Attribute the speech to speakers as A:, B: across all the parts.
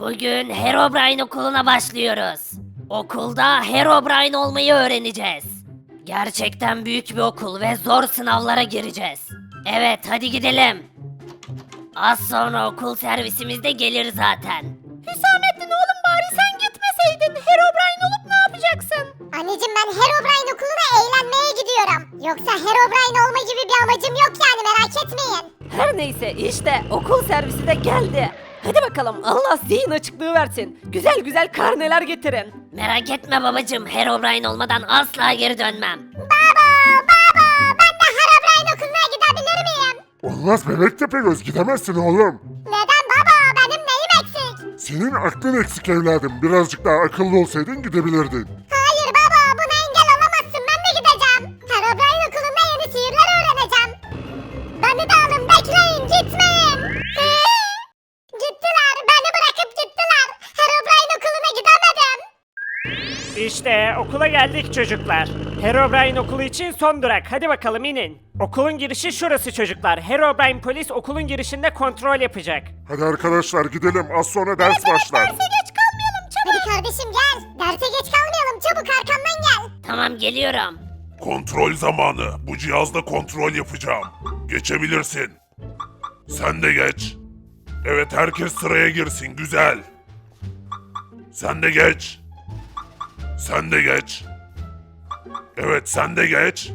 A: Bugün Herobrine okuluna başlıyoruz. Okulda Herobrine olmayı öğreneceğiz. Gerçekten büyük bir okul ve zor sınavlara gireceğiz. Evet, hadi gidelim. Az sonra okul servisimiz de gelir zaten.
B: Hüsamettin oğlum bari sen gitmeseydin. Herobrine olup ne yapacaksın?
C: Anneciğim ben Herobrine okuluna eğlenmeye gidiyorum. Yoksa Herobrine olma gibi bir amacım yok yani merak etmeyin.
B: Her neyse işte okul servisi de geldi. Hadi bakalım Allah zihin açıklığı versin. Güzel güzel karneler getirin.
A: Merak etme babacım, Herobrine olmadan asla geri dönmem.
C: Baba ben de Herobrine okuluna gidebilir miyim?
D: Olmaz bebek Tepegöz gidemezsin oğlum.
C: Neden baba benim neyim eksik?
D: Senin aklın eksik evladım. Birazcık daha akıllı olsaydın gidebilirdin.
C: Hayır baba buna engel olamazsın ben de gideceğim. Herobrine okulunda yeni sihirler öğreneceğim. Beni de alın bekleyin gitmeyin. Gittiler beni bırakıp gittiler. Herobrine okuluna gidemedim.
E: İşte okula geldik çocuklar. Herobrine okulu için son durak. Hadi bakalım inin. Okulun girişi şurası çocuklar. Herobrine polis okulun girişinde kontrol yapacak.
D: Hadi arkadaşlar gidelim. Az sonra ders başlar.
C: Derse geç kalmayalım çabuk. Hadi kardeşim gel. Derse geç kalmayalım çabuk arkamdan gel.
A: Tamam, geliyorum.
F: Kontrol zamanı. Bu cihazla kontrol yapacağım. Geçebilirsin. Sen de geç. Evet herkes sıraya girsin. Güzel. Sen de geç. Sen de geç. Evet sen de geç.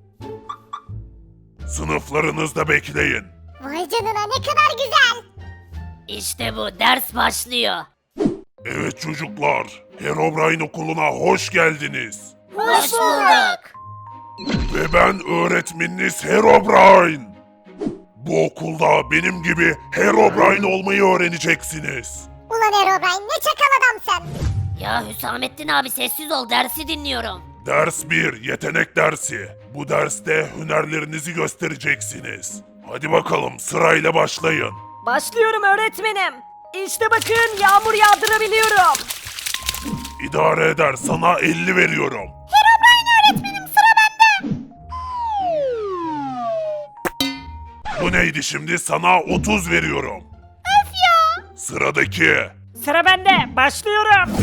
F: Sınıflarınızda bekleyin.
C: Vay canına ne kadar güzel.
A: İşte bu, ders başlıyor.
F: Evet çocuklar. Herobrine okuluna hoş geldiniz.
A: Hoş bulduk.
F: Ve ben öğretmeniniz Herobrine. Bu okulda benim gibi Herobrine olmayı öğreneceksiniz.
C: Ulan Herobrine ne çakal adamsın.
A: Ya Hüsamettin abi, sessiz ol, dersi dinliyorum.
F: Ders 1, yetenek dersi. Bu derste hünerlerinizi göstereceksiniz. Hadi bakalım sırayla başlayın.
B: Başlıyorum öğretmenim. İşte bakın yağmur yağdırabiliyorum.
F: İdare eder, sana 50 veriyorum.
C: Herobrine öğretmenim sıra bende.
F: Bu neydi şimdi? Sana 30 veriyorum.
C: Öf ya.
F: Sıradaki.
E: Sıra bende. Başlıyorum.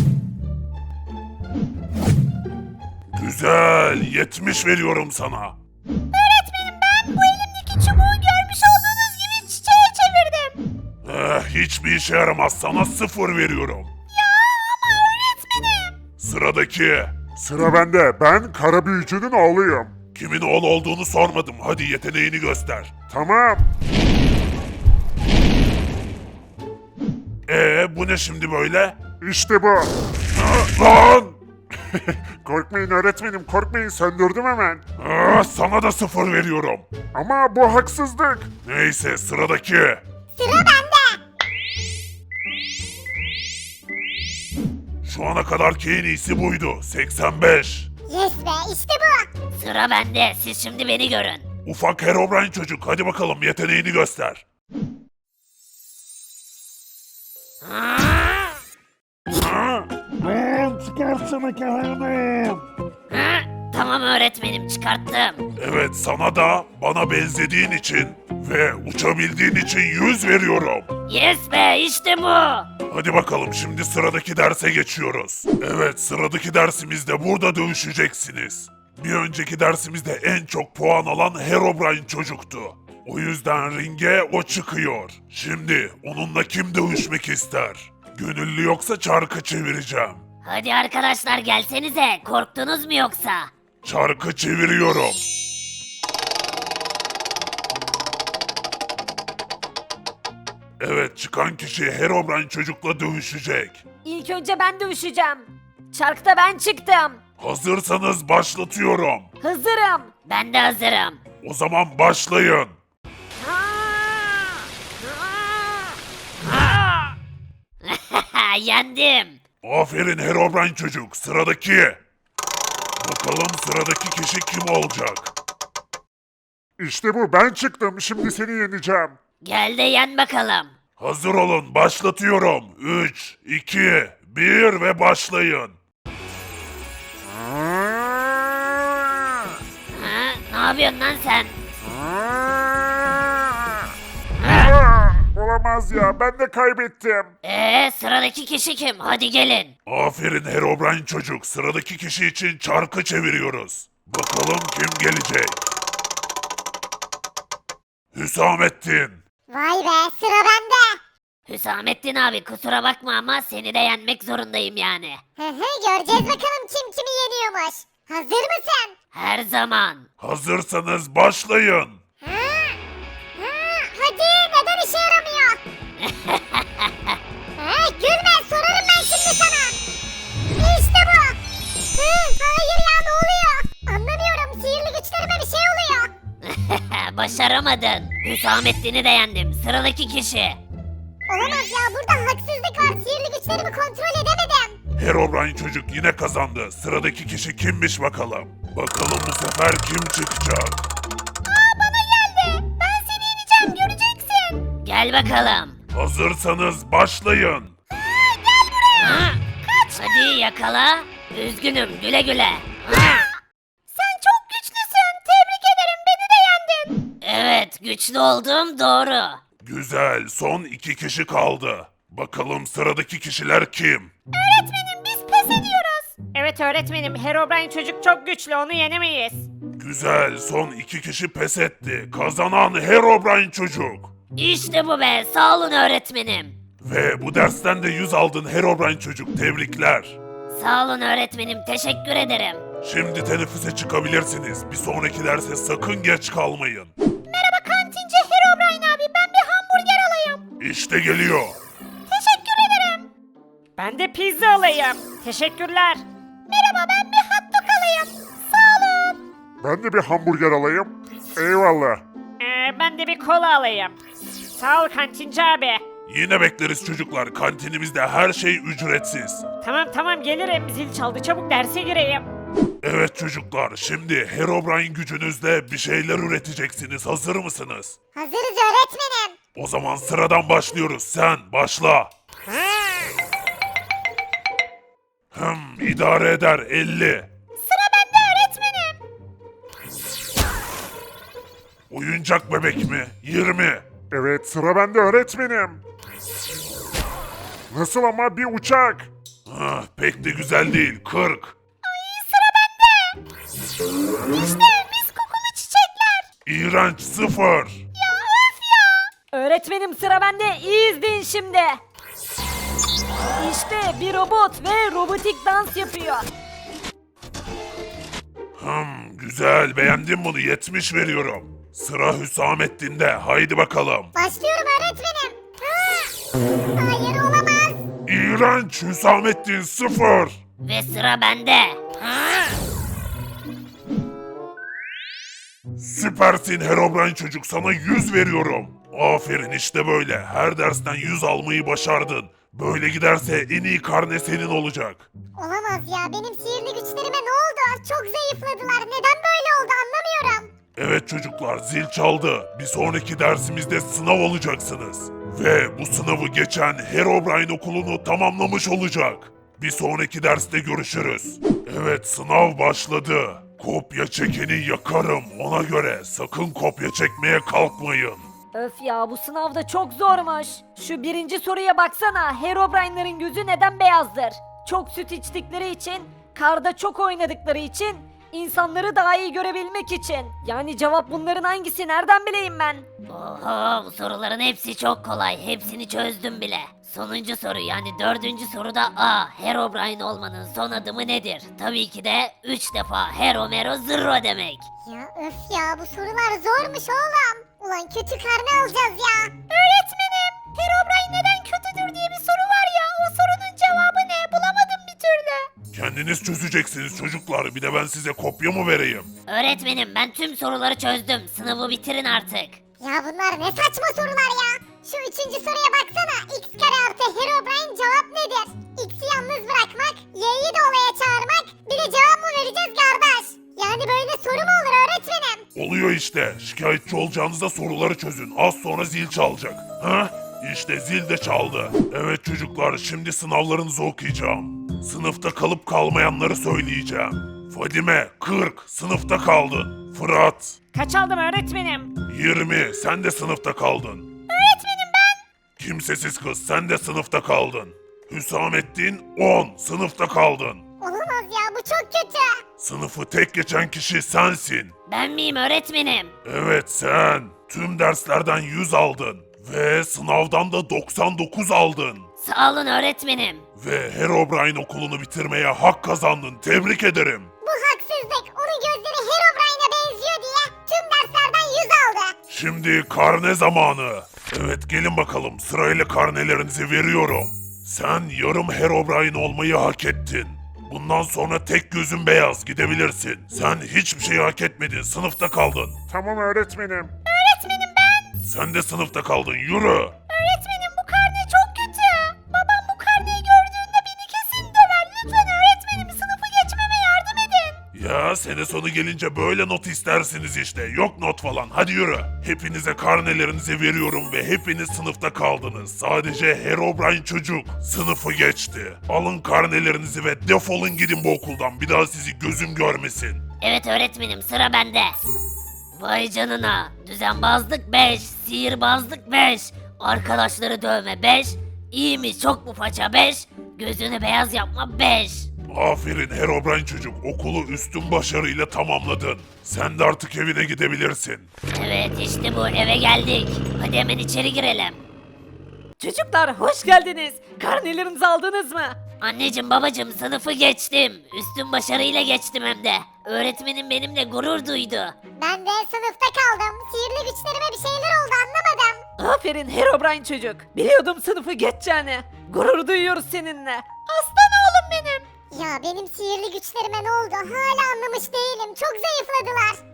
F: Güzel, 70 veriyorum sana.
C: Öğretmenim ben bu elimdeki çubuğu görmüş olduğunuz gibi çiçeğe çevirdim.
F: Hiçbir işe yaramaz, sana 0 veriyorum.
C: Ya ama öğretmenim.
F: Sıradaki.
D: Sıra bende. Ben kara büyücünün oğluyum.
F: Kimin oğlu olduğunu sormadım. Hadi yeteneğini göster.
D: Tamam.
F: Bu ne şimdi böyle?
D: İşte bu.
F: Lan!
D: Korkmayın öğretmenim korkmayın söndürdüm hemen.
F: Sana da 0 veriyorum.
D: Ama bu haksızlık.
F: Neyse sıradaki.
C: Sıra bende.
F: Şu ana kadarki en iyisi buydu. 85.
C: Yes be işte bu.
A: Sıra bende, siz şimdi beni görün.
F: Ufak Herobrine çocuk. Hadi bakalım yeteneğini göster.
A: Ha? Tamam öğretmenim, çıkarttım.
F: Evet sana da bana benzediğin için ve uçabildiğin için 100 veriyorum.
A: Yes be, işte bu.
F: Hadi bakalım şimdi sıradaki derse geçiyoruz. Evet sıradaki dersimizde burada dövüşeceksiniz. Bir önceki dersimizde en çok puan alan Herobrine çocuktu. O yüzden ringe o çıkıyor. Şimdi onunla kim dövüşmek ister? Gönüllü yoksa çarkı çevireceğim.
A: Hadi arkadaşlar gelsenize, korktunuz mu yoksa?
F: Çarkı çeviriyorum. Evet çıkan kişi Herobrine çocukla dövüşecek.
B: İlk önce ben dövüşeceğim. Çarkta ben çıktım.
F: Hazırsanız başlatıyorum.
B: Hazırım.
A: Ben de hazırım.
F: O zaman başlayın.
A: Yendim.
F: Aferin Herobrine çocuk. Sıradaki. Bakalım sıradaki kişi kim olacak?
D: İşte bu ben çıktım şimdi seni yeneceğim.
A: Gel de yen bakalım.
F: Hazır olun başlatıyorum. 3, 2, 1 ve başlayın.
A: Ha? Ne yapıyorsun lan sen?
D: Ulan Olamaz ya, ben de kaybettim.
A: Sıradaki kişi kim? Hadi gelin.
F: Aferin Herobrine çocuk. Sıradaki kişi için çarkı çeviriyoruz. Bakalım kim gelecek? Hüsamettin.
C: Vay be, sıra bende.
A: Hüsamettin abi kusura bakma ama seni de yenmek zorundayım yani.
C: Göreceğiz bakalım kim kimi yeniyormuş. Hazır mısın?
A: Her zaman.
F: Hazırsanız başlayın.
C: Hadi, neden işe yaramıyor? Gülme, sorarım ben şimdi sana. İşte bu. Hayır ya, ne oluyor? Anlamıyorum, sihirli güçlerime bir şey oluyor.
A: Başaramadın. Hüsamettin'i de yendim. Sıradaki kişi.
C: Olamaz ya, burada haksızlık var. Sihirli güçlerimi kontrol edemedim.
F: Herobrine çocuk yine kazandı. Sıradaki kişi kimmiş bakalım. Bakalım bu sefer kim çıkacak?
C: Bana geldi. Ben seni yeneceğim, göreceksin.
A: Gel bakalım.
F: Hazırsanız başlayın.
A: Ha, hadi yakala. Üzgünüm güle güle. Ha,
C: Sen çok güçlüsün. Tebrik ederim, beni de yendin.
A: evet güçlü olduğum doğru.
F: Güzel, son 2 kişi kaldı. Bakalım sıradaki kişiler kim?
C: Öğretmenim, biz pes ediyoruz.
E: Evet öğretmenim, Herobrine çocuk çok güçlü, onu yenemeyiz.
F: Güzel, son 2 kişi pes etti. Kazanan Herobrine çocuk.
A: İşte bu be sağ olun öğretmenim.
F: Ve bu dersten de 100 aldın Herobrine çocuk. Tebrikler.
A: Sağ olun öğretmenim teşekkür ederim.
F: Şimdi teneffüse çıkabilirsiniz. Bir sonraki derse sakın geç kalmayın.
C: Merhaba kantinci Herobrine abi, ben bir hamburger alayım.
F: İşte geliyor.
C: Teşekkür ederim.
E: Ben de pizza alayım. Teşekkürler.
C: Merhaba, ben bir hot dog alayım. Sağ olun.
D: Ben de bir hamburger alayım. Eyvallah.
E: Ben de bir kola alayım. Sağ ol kantinci abi.
F: Yine bekleriz çocuklar. Kantinimizde her şey ücretsiz.
E: Tamam gelirim. Zil çaldı, çabuk derse gireyim.
F: Evet çocuklar, şimdi Herobrine gücünüzle bir şeyler üreteceksiniz. Hazır mısınız?
C: Hazırız öğretmenim.
F: O zaman sıradan başlıyoruz. Sen başla. İdare eder 50.
C: Sıra bende öğretmenim.
F: Oyuncak bebek mi? 20.
D: Evet, sıra bende öğretmenim. Nasıl ama, bir uçak?
F: Pek de güzel değil. 40.
C: İşte mis kokulu çiçekler.
F: İğrenç 0.
B: Öğretmenim sıra bende. İyi izleyin şimdi. İşte bir robot ve robotik dans yapıyor.
F: Güzel, beğendim bunu. 70 veriyorum. Sıra Hüsamettin'de. Haydi bakalım.
C: Başlıyorum öğretmenim. Hayır, olamaz.
F: İğrenç Hüsamettin 0.
A: Ve sıra bende. Ha,
F: Süpersin Herobrine çocuk, sana 100 veriyorum. Aferin, işte böyle. Her dersten 100 almayı başardın. Böyle giderse en iyi karne senin olacak.
C: Olamaz ya, benim sihirli güçlerime ne oldu? Çok zayıfladılar. Neden böyle oldu anlamıyorum.
F: Evet çocuklar, zil çaldı. Bir sonraki dersimizde sınav olacaksınız. Ve bu sınavı geçen Herobrine okulunu tamamlamış olacak. Bir sonraki derste görüşürüz. Evet, sınav başladı. Kopya çekeni yakarım, ona göre sakın kopya çekmeye kalkmayın.
B: Öf ya, bu sınavda çok zormuş. Şu birinci soruya baksana. Herobrine'ların gözü neden beyazdır? Çok süt içtikleri için, karda çok oynadıkları için, insanları daha iyi görebilmek için. Yani cevap bunların hangisi, nereden bileyim ben?
A: Oho bu soruların hepsi çok kolay. Hepsini çözdüm bile. Sonuncu soru yani dördüncü soruda A. Herobrine olmanın son adımı nedir? Tabii ki de 3 defa Hero Mero Zırro demek.
C: Ya öf ya, bu sorular zormuş oğlum. Ulan kötü karne alacağız ya. Öğretmenim, Herobrine neden kötüdür diye bir soru var ya. O sorunun cevabı ne? Bulamadım bir türlü.
F: Kendiniz çözeceksiniz çocuklar, bir de ben size kopya mı vereyim?
A: Öğretmenim ben tüm soruları çözdüm. Sınavı bitirin artık.
C: Ya bunlar ne saçma sorular ya. Şu üçüncü soruya baksana. X kare artı Herobrine cevap nedir? X'i yalnız bırakmak, Y'yi de olaya çağırmak. Bir de cevap mı vereceğiz kardeş? Yani böyle soru mu olur öğretmenim?
F: Oluyor işte. Şikayetçi olacağınızda soruları çözün. Az sonra zil çalacak. İşte zil de çaldı. Evet çocuklar, şimdi sınavlarınızı okuyacağım. Sınıfta kalıp kalmayanları söyleyeceğim. Fadime 40 sınıfta kaldın. Fırat
E: Kaç aldım öğretmenim?
F: 20 sen de sınıfta kaldın.
C: Öğretmenim ben.
F: Kimsesiz kız sen de sınıfta kaldın. Hüsamettin 10 sınıfta kaldın.
C: Olamaz ya, bu çok kötü.
F: Sınıfı tek geçen kişi sensin.
A: Ben miyim öğretmenim?
F: Evet sen. Tüm derslerden 100 aldın. Ve sınavdan da 99 aldın.
A: Sağ olun öğretmenim.
F: Ve Herobrine okulunu bitirmeye hak kazandın. Tebrik ederim.
C: Bu haksızlık. Onun gözleri Herobrine'a benziyor diye tüm derslerden 100 aldı.
F: Şimdi karne zamanı. Evet gelin bakalım sırayla karnelerinizi veriyorum. Sen yarım Herobrine olmayı hak ettin. Bundan sonra tek gözün beyaz gidebilirsin. Sen hiçbir şey hak etmedin sınıfta kaldın.
D: Tamam öğretmenim.
C: Öğretmenim ben.
F: Sen de sınıfta kaldın yürü.
C: Öğretmenim bu karne çok kötü. Babam bu karneyi gördüğünde beni kesin döver. Lütfen öğretmenim sınıfı geçmeme yardım edin.
F: Ya sene sonu gelince böyle not istersiniz işte. Yok not falan hadi yürü. Hepinize karnelerinizi veriyorum ve hepiniz sınıfta kaldınız. Sadece Herobrine çocuk sınıfı geçti. Alın karnelerinizi ve defolun gidin bu okuldan. Bir daha sizi gözüm görmesin.
A: Evet öğretmenim sıra bende. Vay canına. Düzenbazlık 5, sihirbazlık 5, arkadaşları dövme 5, iyi mi çok mu faça 5, gözünü beyaz yapma 5.
F: Aferin Herobrine çocuk okulu üstün başarıyla tamamladın. Sen de artık evine gidebilirsin.
A: Evet işte bu eve geldik. Hadi hemen içeri girelim.
B: Çocuklar hoş geldiniz. Karnelerinizi aldınız mı?
A: Anneciğim babacığım sınıfı geçtim. Üstün başarıyla geçtim hem de. Öğretmenim benimle gurur duydu.
C: Ben de sınıfta kaldım. Sihirli güçlerime bir şeyler oldu anlamadım.
B: Aferin Herobrine çocuk. Biliyordum sınıfı geçeceğini. Gurur duyuyoruz seninle. Aslan oğlum benim.
C: Ya benim sihirli güçlerime ne oldu? Hala anlamış değilim. Çok zayıfladılar.